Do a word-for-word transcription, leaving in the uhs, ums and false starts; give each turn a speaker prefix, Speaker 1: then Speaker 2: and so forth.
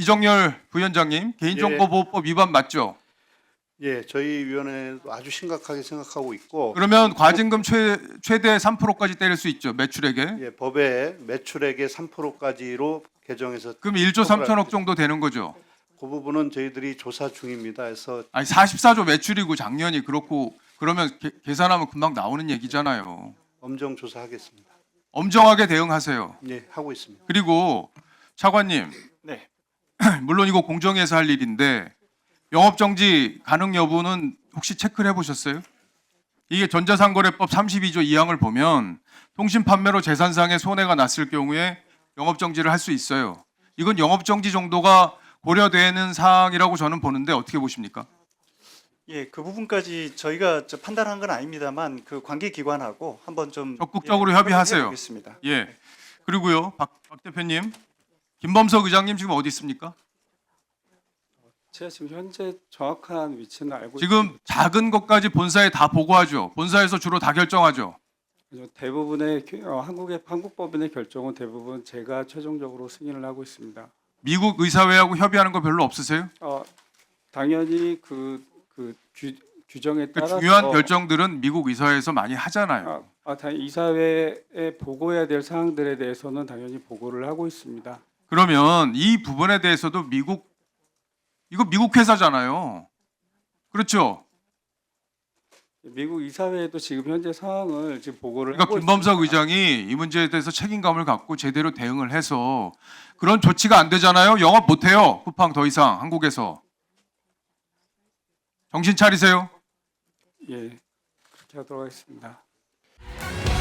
Speaker 1: 이정열 부위원장님, 개인정보보호법 위반 맞죠?
Speaker 2: 예, 저희 위원회도 아주 심각하게 생각하고 있고,
Speaker 1: 그러면 과징금 최, 최대 삼 퍼센트까지 때릴 수 있죠, 매출액에.
Speaker 2: 예, 법에 매출액의 삼 퍼센트까지로 개정해서
Speaker 1: 그럼 일조 삼천억 정도 되는 거죠.
Speaker 2: 그 부분은 저희들이 조사 중입니다. 해서
Speaker 1: 아니 사십사조 매출이고 작년이 그렇고 그러면 개- 계산하면 금방 나오는 얘기잖아요.
Speaker 2: 엄정 조사하겠습니다.
Speaker 1: 엄정하게 대응하세요.
Speaker 2: 예, 하고 있습니다.
Speaker 1: 그리고 차관님,
Speaker 3: 네.
Speaker 1: 물론 이거 공정위에서 할 일인데 영업정지 가능 여부는 혹시 체크를 해보셨어요? 이게 전자상거래법 삼십이조 이 항을 보면 통신 판매로 재산상의 손해가 났을 경우에 영업정지를 할 수 있어요. 이건 영업정지 정도가 고려되는 사항이라고 저는 보는데 어떻게 보십니까?
Speaker 3: 예, 그 부분까지 저희가 저 판단한 건 아닙니다만 그 관계 기관하고 한번 좀
Speaker 1: 적극적으로
Speaker 3: 예,
Speaker 1: 협의하세요.
Speaker 3: 보겠습니다.
Speaker 1: 예. 그리고요, 박, 박 대표님, 김범석 의장님 지금 어디 있습니까?
Speaker 4: 제가 지금 현재 정확한 위치는 알고
Speaker 1: 지금 작은 것까지 본사에 다 보고하죠. 본사에서 주로 다 결정하죠.
Speaker 4: 있습니다. 대부분의 겨- 어, 한국의 한국법인의 결정은 대부분 제가 최종적으로 승인을 하고 있습니다.
Speaker 1: 미국 의사회하고 협의하는 거 별로 없으세요?
Speaker 4: 어, 당연히 그, 그 규, 규정에
Speaker 1: 그
Speaker 4: 따라서
Speaker 1: 중요한 결정들은 미국 의사회에서 많이 하잖아요.
Speaker 4: 아, 아, 당연히 이사회에 보고해야 될 사항들에 대해서는 당연히 보고를 하고 있습니다.
Speaker 1: 그러면 이 부분에 대해서도 미국 이거 미국 회사잖아요. 그렇죠?
Speaker 4: 미국 이사회에도 지금 현재 상황을 지금 보고를
Speaker 1: 그러니까
Speaker 4: 하고
Speaker 1: 김범석
Speaker 4: 있습니다.
Speaker 1: 의장이 이 문제에 대해서 책임감을 갖고 제대로 대응을 해서 그런 조치가 안 되잖아요. 영업 못 해요. 쿠팡 더 이상 한국에서. 정신 차리세요.
Speaker 4: 예, 그렇게 하도록 하겠습니다.